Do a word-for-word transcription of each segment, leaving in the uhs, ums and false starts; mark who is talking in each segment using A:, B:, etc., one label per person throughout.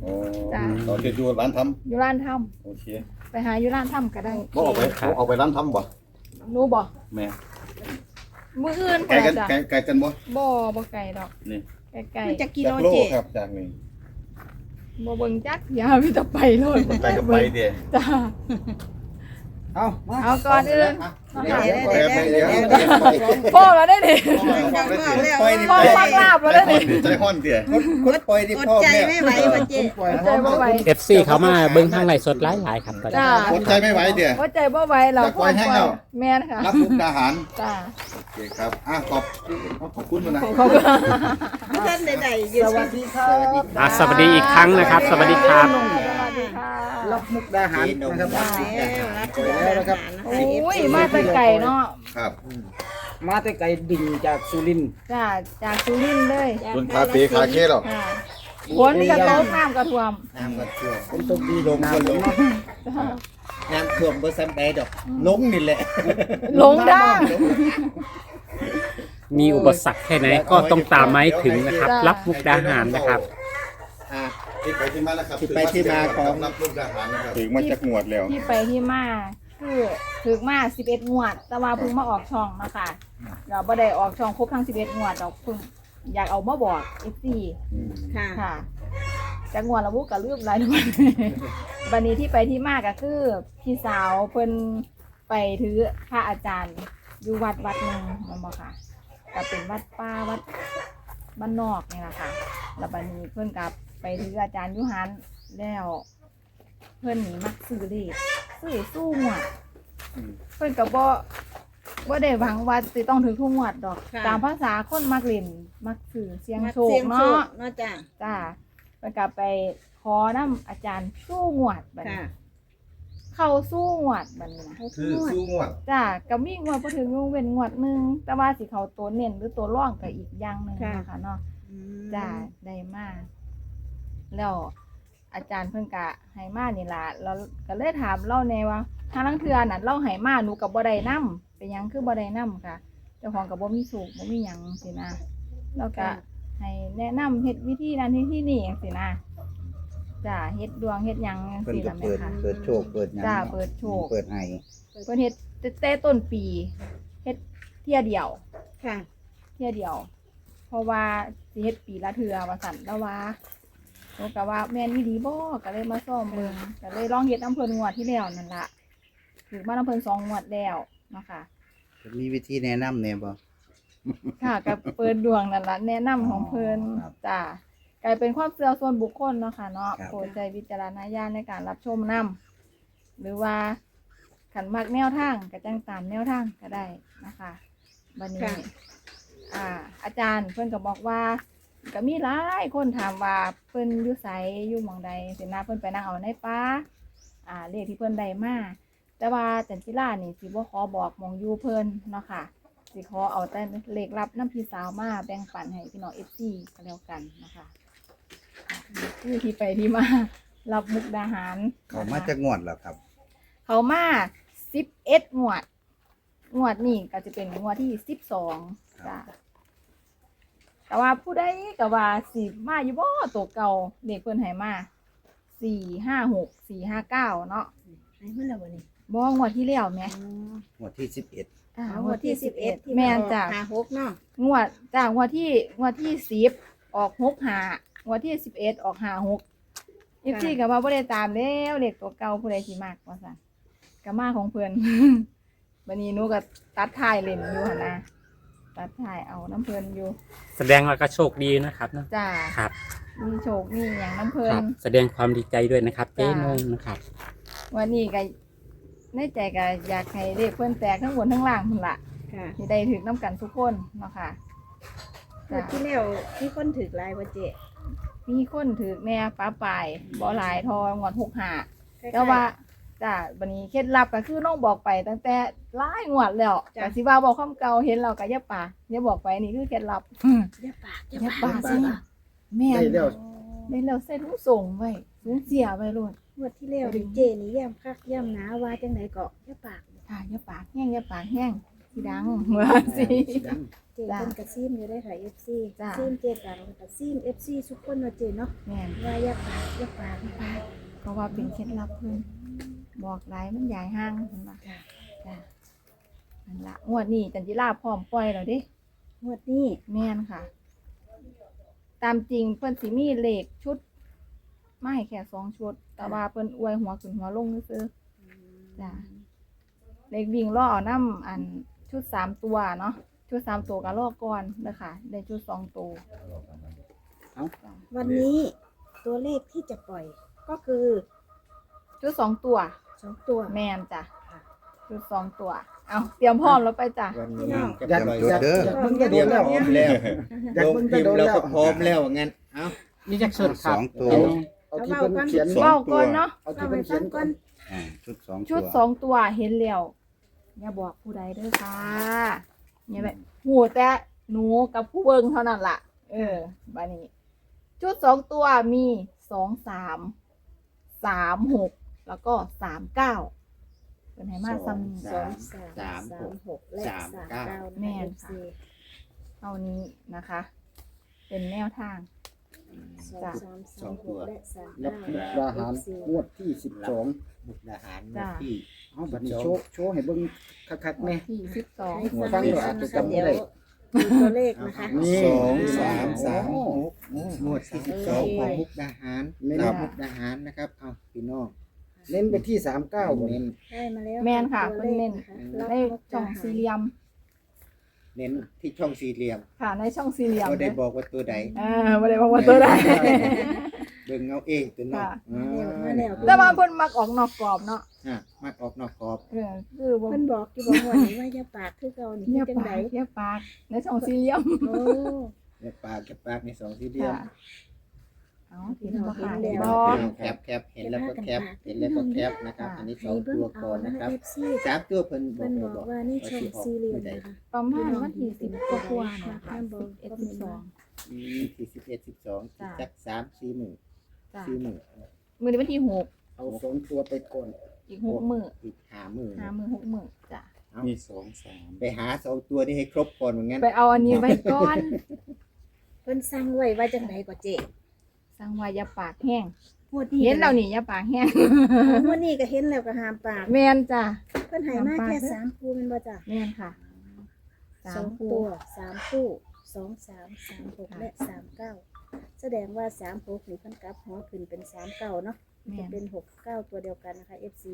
A: จ้า
B: ตอนที่อยู่ร้านท
A: อยู่ร้านท
B: ำโอเค
A: ำไปหาอยู่ร้านทำก็ได้
B: บ่เอาไปเอาไปร้านทำบ่
A: รู้บ่
B: แม่
A: มื้ออื่น
B: ไกลกัน
A: จ้ะ
B: ไกลไกลกันบ่
A: บ่บ่ไกลดอก
B: นี่
A: ใกล้
C: มันจะกิโล
B: จากโล
C: เจ
B: ครับจากนี่
A: ๆบ่เบิ่งจักอย่ามีแต่ไปโลด
B: ไปกับไปเด้
A: จ้า
D: เอามา
A: เอาก่อนอื่น
B: เดี๋ยวเดี๋ยวเดี๋ยวเดี๋ยว
A: พ่อแล้วได้ดิ
B: ปล่อยนี่
A: พ่อ
B: ใจ
A: ปักลาบแล้วได้ดิ
B: ใจห้อนเด้
D: คนปล่อยดิ
C: อด
D: พ่อ
C: ใจ
D: แม่
C: ไม่ไหวว่ะเจ
D: ปล่อย
A: ใจบ่ไหว
E: เอฟซีเขามาเบิ้งทางไลฟ์สดหลายๆครับตอนนี้
A: จ้า
B: อดใจไม่ไหวเด้
A: ว่าใจบ่ไหวเรา
B: จะปล่อยให้เรา
A: แม่นค่ะ
B: รับมุกดาหาร
A: จ้า
B: โอเคครับอ่ะขอบขอบคุณมานะ
A: ขอบคุณ
C: ท่านใดๆอยู่
D: สวัสดีครับ
E: อ่ะสวัสดีอีกครั้งนะครับ สวัสดีครับ
A: สวัสดีค่ะ
D: รับมุกดาหารนะครับ
C: แล้วรับทุกอย่างนะคะ
A: โอ้ยมาแต่ไก่เนาะ
B: ครับ
D: มาแต่ไกลดิ่งจากสุรินทร์
A: จ้าจากสุรินทร์เลย
B: คุณคาเฟ่คาเค้หรอ
A: ค่ะฝนกระตกน้ำกระท่วม
F: น้ำก็ท่วม
D: เป็นตกดีลงกันลง
A: จ้า
F: น้ำท่วมบ่ซ้ำใดดอกลงนี่แหละ
A: หลงดัง
E: มีอุปสรรคแค่ไหนก็ต้องตามมาให้ถึงนะครับ รับมุกดาหารนะครับ
F: อ่า
B: ที่ไปที่มาแล้วครับ
F: ที่ไปที่มาของ
B: รับมุกดาหารนะครับ
D: ถึงมาจากหมวดแล้ว
A: ที่ไปที่มาคือถึกมาสิบเอ็ดงวด แต่ว่าเพิ่งมาออกช่องเนาะคะเราบ่ได้ออกช่องครบทั้งสิบเอ็ดงวดดอกเพิ่งอยากเอามาบอก เอฟ ซี
C: ค่ะ
A: ค่ะจากงวดละบุกกับลืมหลายวัน บันนี้ที่ไปที่มาก็คือพี่สาวเพิ่นไปถือพระอาจารย์อยู่วัดวัดหนึ่งนั่นบ่ค่ะก็เป็นวัดป้าวัดบ้านนอกนี่แหละค่ะแล้วบันนี้เพิ่นกับไปถืออาจารย์อยุหันแล้ว เพิ่นนี่มักซื้อเลขซื้อสู้หวดเพิ่นก็บ่บ่ได้หวังว่าสิต้องถึงทุกงวดดอก
C: ค่ะ
A: ตามภาษาคนมักเล่นมักซื้อเสียงโชค
C: เสียงโช
A: เนาะ
C: คเนาะจ้ะ
A: จ้าเพิ่นก็ไปขอนำอาจารย์สู้งวดบัด
C: ค่ะ
A: นี้เข้าสู้งวดบัดนี้นะ
B: คือสู้งวด
A: จ้าก็มีงวดบ่ถึงงเว้นงวดหนึงแต่ว่าสิเข้าตัวเน้นหรือตัวร่องก็อีกอย่างหนึงนะคะเนาะ
C: อืม
A: จ้าได้มาแล้วอาจารย์เพิ่นกะให้มานี่ล่ะเราก็เลยถามเล่าแน่ว่าทางลังเทือน่ะเล่าให้มาหนูกับบ่ได้นำเป็นหยังคือบ่ได้นำค่ะเจ้าของก็บ่มีสูกบ่มีหยังสินะแล้วก็ให้แนะนำเฮ็ดวิธีนั้นวิธีนี้จังซี่นะจ้าเฮ็ดดวงเฮ็ดหยังจัง
F: เพิ่น
A: ซี่
F: ก็
A: ล่ะแม่
F: เปิด
A: ค่ะ
F: เปิดโชคเปิดหยัง
A: จ้าเปิดโชค
F: เปิดให้
A: เพิ่นเฮ็ดแต่ต้นปีเฮ็ดเที่ยเดียว
C: ค่ะ
A: เที่ยเดียว เพราะว่าสิเฮ็ดปีละเทื่อว่าสั่นแล้วว่าโอ้ก็ว่าแม่นอีหลีบ่ก็เลยมาซ่อมเบิ่งก็เลยลองเฮ็ดน้ำเพิ่นงวดที่แล้วนั่นล่ะถือมาน้ำเพิ่นสองงวดแล้วเนาะค่ะ
F: มีวิธีแนะนำแน่บ่
A: ค่ะก็เปิดดวงนั่นล่ะแนะนำของเพิ่น
F: ครับ
A: จ้ากลายเป็นความเชื่อส่วนบุคคลเนาะค่ะเนาะ
F: ครับ
A: โปรดใช้วิจารณญาณในการรับชมนํหรือว่าขันมักแนวทางก็จังตามแนวทางก็ได้นะคะบัดนี้
C: ค่ะ
A: อ่า อาจารย์เพิ่นก็บอกว่าก็มีหลายคนถามว่าเพิ่นอยู่ไสอยู่หม่องใดสินะเพิ่นไปนั่งเอาในป่าอ่าเลขที่เพิ่นได้มาแต่ว่าจันจิรานี่สิบ่ขอบอกหม่องอยู่เพิ่นเนาะค่ะสิขอเอาแต่เลขลับน้ำพี่สาวมาแบ่งปันให้พี่น้อง เอฟ ซี ก็แล้วกันนะคะค่ะนี่คือที่ไปที่มารับมุกดาหาร
F: เขามาจากงวดแล้วครับ
A: เขามาสิบเอ็ดงวด งวดนี่ก็จะเป็นงวดที่สิบสองจ้ะแต่ว่าผู้ใดก็ว่าสิมาอยู่บ่ตัวเก่าเด็กเพิ่นให้มาสี่ห้าหกสี่ห้าเก้าเนาะ
C: ให้เพิ่นแล้วบ่นี่
A: บ่งวดที่แล้วแหม่
F: งวดที่สิบเอ็ด
A: อ่า
C: เอางวดที่สิบเอ็ดที่
A: แม่นจ้ะ
C: หาหกเนาะ
A: งวดจ้างวดที่งวดที่สิบออกหกหางวดที่สิบเอ็ดออกหาหกอีกที่ก็ว่าบ่ได้ตามแล้วเด็กตัวเก่าผู้ใดสิมากว่าซั่นก็มาของเพิ่น บัดนี้หนูก็ตัดท้ายเล่นอยู่หั่นนะตัดท้ายเอาน้ำเพิ่นอยู่
E: แสดงว่าก็โชคดีนะครับเนอะ
A: จ้า
E: ครับ
A: มีโชคมีหยังน้ำเพิ่
E: คน รับ แสดงความดีใจด้วยนะครับเจ๊นงนะครับ
A: วันนี้ก็ในใจก็อยากให้เลขเพิ่นแตกทั้งบนทั้งล่างพุ่นล่ะ
C: ค่ะ
A: สิได้ถึกน้ำกันทุกคนเนาะค่ะ
C: งวดที่แล้วมีคนถือหลายบ่เจ
A: มีคนถือแน่ป้าปลายบ่หลายทองวดหกหา
C: คล้ยๆ
A: แต่ว่าจ้าบันนี้เคล็ดลับก็คือน้องบอกไปตั้งแต่หลายงวดแล้ว
C: จ้ะ
A: แต่สิว่าบอกความเก่าเห็นเราก็อย่าป่าอย่าบอกไปนี่คือเคล็ดลับ
C: อย่าปากอย่า
A: อย่า
C: ปา
A: ป่าก สิแม่น
D: ได้แล้ว
A: ได้แล้วใส่ถุงส่งไว้ถุงเสียไว้โลด
C: งวดที่แล้วนี่เจนี่ย่ำคักย่ำหนาว่าจังไดก็อย่าปาก
A: ค่ะอย่าปากแห้งอย่าปากแห้งสิดังว่าสิ
C: เจเพิ่นกระซิมอยู่ได้ค่ะ เอฟ ซี
A: จ้ะ
C: ซิมเจดังกระซิม เอฟ ซี ทุกคนว่าเจเนาะ
A: แม่น
C: ว่าอย่าปากอย่าปากนะคะ
A: เพราะว่าเป็นเคล็ดลับเพิ่นบอกหลายมันใหญ่ห้างเห็นบ่
C: ค่ะ
A: จ้ะนั่นล่ะงวดนี้จันจิราพร้อมปล่อยแล้วเด้
C: งวดนี้
A: แม่นค่ะ ตามจริงเพิ่นสิมีเลขชุดไม่แค่สองชุด แต่ว่าเพิ่นอวยหัวขึ้นหัวลงซื่อๆจ้ะเลขวิ่งล่อเอาน้ำอันชุดสามตัวเนาะชุดสามตัวก็ล่อก่อนเด้อค่ะ ได้ชุดสองตัว
C: วันนี้ตัวเลขที่จะปล่อยก็คือ
A: ชุดสองตัว
C: สองตัว
A: แม่นจ้ะชุดสองตัว เอาเตรียมพร้อมแล้วไปจ้ะ
B: วันนี้
D: อยาก
B: จะปล่อย
D: อยากอยากเบิ่งจะโดนแล้ว
B: แล้ว
D: อยาก
B: ลง
D: เบิ่งจะ
B: พิม
D: โด
B: พ์
D: น
B: เรา
D: แล้ว
B: ก็พร้อมแล้วงั้นเอ้า
E: นี่จักสุดค
F: ส
E: รับ
F: องตัว
D: เอาที่เพิ่นเขียน
B: สอง
A: เว้า
B: ตัว
A: ก่อนเนาะ
D: เอาที่เพิ่นเขียนก่อน
F: อ่าชุดสอง
A: ชุด
F: ตัว
A: สองตัวเห็นแล้วอย่าบอกผู้ใดเด้อค่ะเนี่ยแบบหูแต่หนูกับผู้เบิ่งเท่านั้นล่ะ เออบัดนี้ ชุดสองตัวมีสองสามสามหกแล้วก็สามเก้าเป็นไหมาซ้ำ
C: สองสามสามหกและสามเก้า
A: แม่
C: แม่
A: น
C: น
A: ค่ะ เท่านี้นะคะ เป็นแนวทาง
C: สองสามสามหกและสาม
D: รับ
C: เก้า
D: มุกดาหารงวดที่สิบสอง
B: มุกดาหาร
A: จ้ะ
B: ที่
D: เอาบัดนี้โชว์โชว์ให้เบิ่งคักๆแน่
A: ที่สิบสอง
C: ให้
D: หัว
C: ฟั
D: ฟั
C: ง
D: ง
C: เดี๋
D: เดี๋
C: ย
D: ยว วอาจจะจำไม่
C: เดี๋ยว
D: ได้
C: ดูตัวเลขนะคะ
D: นี่
B: สองสามสามหกหมวดที่สิบสองของมุกดาหาร
D: เน้น
B: ดาวมุกดาหารนะครับเอาพี่น้อง
D: เน้นไปที่สามเก้าบ่
B: เน้น
C: ได้มาแล้ว
A: แม่นค่ะ
C: ตัว
A: เพิ่น
C: เล
A: เน้
C: ข
A: น
C: นะคะรับ
A: ใน
C: มุก
A: ช่
C: ดา
A: อง
C: หาร
A: สี่เหลี่ยม
B: เน้นที่ช่องสี่เหลี่ยม
A: ค่ะ ในช่องสี่เหลี่ยม
B: ก็ได้บอกว่าตัวใด
A: เออไม่ได้บอกว่าตัวใด
B: เบิ่งเอาเองตัวน้อง
A: ค่ะ
B: อ่า
C: มาแล้ว
A: แต่ว่าเพิ่นมักออกนอกกรอบเนาะ
B: อ่ะมักออกนอกกรอบ
A: เออคือบ่
C: เพิ่นบอกอยู่บอกว่านี่ว่าอย่าปากคือเก่านี่
A: เงียบ
C: จัง
A: ปา
C: ได
A: กเงียบปากในช่องสี่เหลี่ยม
C: โอ้
B: เก็บปากเก็บปากในสองสี่เหลี่ยม
A: ค่ะเอาเห็นบ่ค่ะ
C: เห็
A: เห็น
C: นแล้
A: บ่
C: ว
B: แคปแคปเห็นแล้วก็แคปเห็นแล้วก็แคปนะครับ อันนี้สอง
C: ให้เบิ่ง
B: ตัว
C: เอา
B: ก่อน
C: นะ
B: นะค
C: คะ
B: รับ
C: เอฟซี
B: สามตัวเพิ่นบอ
C: เพิ่
B: ก
C: น
B: เลย
C: บอกว่านี่ช่องสี่เหลี่ยมนะคะ
A: ประมาณวันที่สิบกว่าๆเนี่ยค่ะสิบเอ็ดสิบสอง
B: อืมที่สิบเอ็ดสิบสอง
A: จ้ะ
B: จักสามสี่หมื่น
A: จ้ะ
B: สี่หมื่น
A: มื้อนี้วันที่หก
D: เอาสองตัวไปก่อน
A: อีกหกมื้อ
B: อีกห้าหมื่น
A: ห้ามื้อหกมื้อจ้ะ
D: มีสองสาม
B: ไปหาสองตัวนี้ให้ครบก่อนเหมือนงั้น
A: ไปเอาอันนี้ไว้ก่อน
C: เพิ่นสั่งไว้ว่าจังไดก็เจ๊
A: สั่งว่าอย่าปากแห้ง
C: งวดนี้
A: เห็นแล้วนี่อย่าปากแห้ง
C: งวดนี้ก็เห็นแล้วก็ห้ามปาก
A: แม่นจ้ะ
C: เพิ่นให้มาแค่สามคู่แม่นบ่จ้ะ
A: แม่นค่ะ
C: ส
A: สา
C: อ
A: ม
C: ง
A: คู่
C: ตัวสามคู่สองสามสามหกและสามเก้าแสดงว่าสามหกนี่เพิ่นกลับหัวขึ้นเป็นสามเก้าเนาะ
A: แม่
C: จะ
A: น
C: เป็นหกเก้าตัวเดียวกันนะคะ เอฟ ซี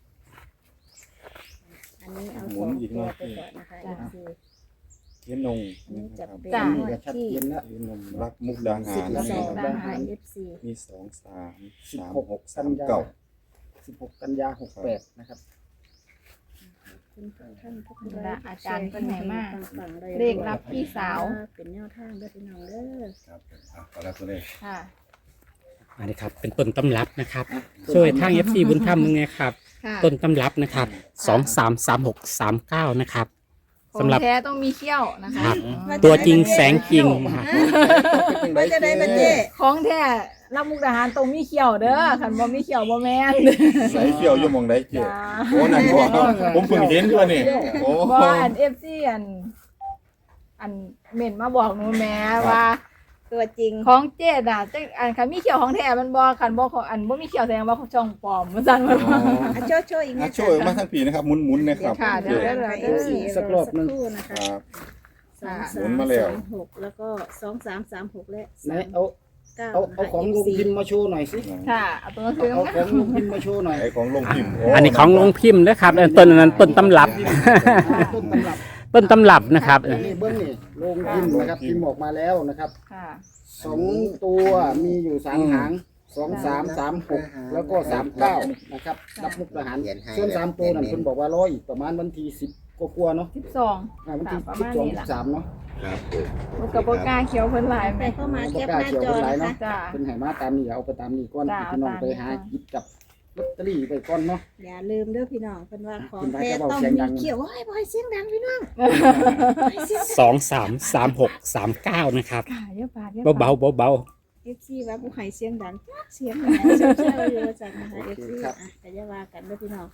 C: อันนี้เอาสองตัวไปก่อนนะคะ เอฟ ซี
G: เทียนนง
C: อันนี้จะเป็น
A: จ้ะ
C: งวด
D: ชัด
C: ที่
D: เจนแล้ว
G: เทียนนงรักมุกดาหา
C: สิบ
G: ร
C: สอง
A: ดา
C: นะ
A: หา
C: คะ
A: ร
C: เอฟ ซี
G: มีสองสาม
D: สิบ
G: สาม
D: หก
G: หก
D: กั
G: สาน ม
D: ยา
G: เก้า
D: สิบหกกันยาหกแปดนะครับ
C: คุณท่านทุก
A: และอาจารย์เพิ่นให้มา
C: ฟังๆเลย
A: เลขรับพี่สาว
C: เป็นแนวทางเด้อพี่น้องเด้อ
B: ครับอ่ะขอรับตัวเลข
A: ค่ะ
E: อันนี้ครับเป็นต้นตำรับนะครับ ช่วยทาง เอฟ ซี บุญธรรมมึงไงครับ
A: ค่ะ
E: ต้นตำรับนะครับสองสามสามหกสามเก้านะครับ
A: ขอ
E: สำ
A: ง
E: หรับ
A: แท้ต้องมีเขี้ยวนะคะ
E: ครับ
A: อืม
E: ตัวจริงแสงจริงนะครับ
C: ว่าจะได้มาเจ๊
A: ของแท้รับมุกดาหารต้องมีเขี้ยวเด้อคันบ่มีเขี้ยวบ่แม่น
G: ใส่เขียวอยู่หมองใดเกี่ย
A: จ้า
G: โอ้นั่นบ่ผมเพิ่งเห็นด้วยนี่โอ้
A: บ่อัน เอฟ ซี อัน อันเม่นมาบอกหนูแม่ว่า
C: ตัวจริง
A: ของเจ๊น่ะจังอันคันมีเขี้ยวของแท้มันบ่คันบ่ของอันบ่มีเขี้ยวแสดงว่าของช่องปลอมว่าซั่นว่า
C: อ่ะโชว์โชว์อีก
G: อ่ะ
C: นะ
G: ช่วยมาทั้งปีนะครับหมุนๆนะครับ
A: ค่ะเดี๋ยว
C: เอฟซี
D: สักรอบหนึ่ง
C: นะ
G: ค
C: คะ
G: รับ
C: สอง
G: หมุ
C: สาม
G: นมาแล้ว
C: สามหกแล้วก็สองสามสามหกและ
D: ไหน
C: สาม
D: เอา
C: เก้า
D: เอาเอาของลงพิมพ์มาโชว์หน่อยสิ
A: ค่ะเอาตัวหนังสือ
D: เอา
A: มา
D: ของลงพิมพ์มาโชว์หน่อย
G: ไอของลงพิมพ์
E: อันนี้ของลงพิมพ์นะครับเออต้นอันนั้นต้นตำรับ
D: ต้นตำรับ
E: ต้นตำรับนะครับ
D: นี่เบิ้งนี่ลงพิมพ์นะครับพิมพ์ออกมาแล้วนะครับ
A: ค่ะ
D: สองตัวมีอยู่สามหางสองสามสามหกแล้วก็สามเก้านะครับรับมุกทหารส่วนสามตัวนั่นคุณบอกว่าร้อยประมาณวันที่สิบกว่าๆเนาะ
A: สิบสอง
D: อ่าวันที่
A: ประ
D: สิบ
A: มาณ
D: สอง
A: นี้
D: สิ
A: ล่ะ
D: บสามเนาะ
B: ครับผม
A: มันก็บ่กล้าเขียวเพิ่นหลาย
C: ไป
A: แม่
C: เข้ามาแคปหน้าจอนะคะ
A: จ้า
D: เป็นไหมาตามนี่เอาไปตามนี่ก่อน
A: จ้ะ
D: พี่น้อง
A: เอาตาม
D: ไปหา
A: นี้ก่อน
D: หยิบจับลอตเตอรี่ไปก่อนเนาะ
C: อย่าลืมเด้อพี่น้องเพิ่นว่าของ
D: คุณพระ
C: แท้
D: เจ้าบอก
C: ต้อง
D: เสียง
C: มี
D: ดัง
C: เขียวโอ้ยบ่ให้เสียงดังพี่น้อง
E: สองสามสามหกสามเก้านะครับ
A: ค่ะเยอะปากเยอะ
E: เบาๆเบา
C: เอฟซีว่าผู้ให้เสียงดังจักเสียงไหนเสียงเชื่ออยู่จังนะคะเอฟซีอ่ะแต่อย่าว่ากันเด้อพี่น้อง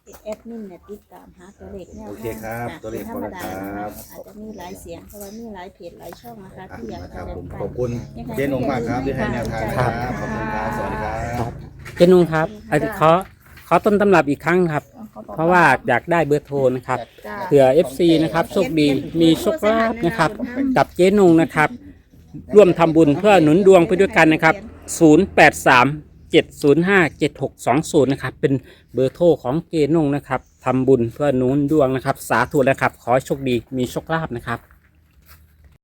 C: แอดมินเนี่ยติดตามหาตัวเลขแนว
F: โอ
C: ทาง
F: เคครับ
C: อ่ะ
F: ตัวเลข
C: ธร
F: พอ
C: รม
F: แล้ว
C: ดา
F: ค
C: นะ
F: รั
C: คะ
F: บ
C: อาจจะมีหลายเสียงเพราะว่ามีหลายเพจหลายช่องนะคะ
F: อ่ะ
C: ที่อยาก
F: นะค
C: จะ
F: รับ
C: แบ่
F: ผ
C: ง
F: ม
C: ปัน
F: ขอบคุณเจนงมากครับที่ให้แนวทางนะครับขอบคุณครับสวัสดีครับ
E: เจนุงครับอันนี้ขอขอต้นตำรับอีกครั้งครับ เพราะว่าอยากได้เบอร์โทรนะครับ
A: จ้า
E: เผื่อ เอฟ ซี นะครับโชคดีมีโชคลาภนะครับ กับเจ๊นุงนะครับ ร่วมทำบุญเพื่อหนุนดวงไปด้วยกันนะครับ ศูนย์ แปด สาม เจ็ด ศูนย์ ห้า เจ็ด หก สอง ศูนย์ นะครับ เป็นเบอร์โทรของเจ๊นุงนะครับทำบุญเพื่อหนุนดวงนะครับ สาธุนะครับ ขอให้โชคดีมีโชคลาภนะครับ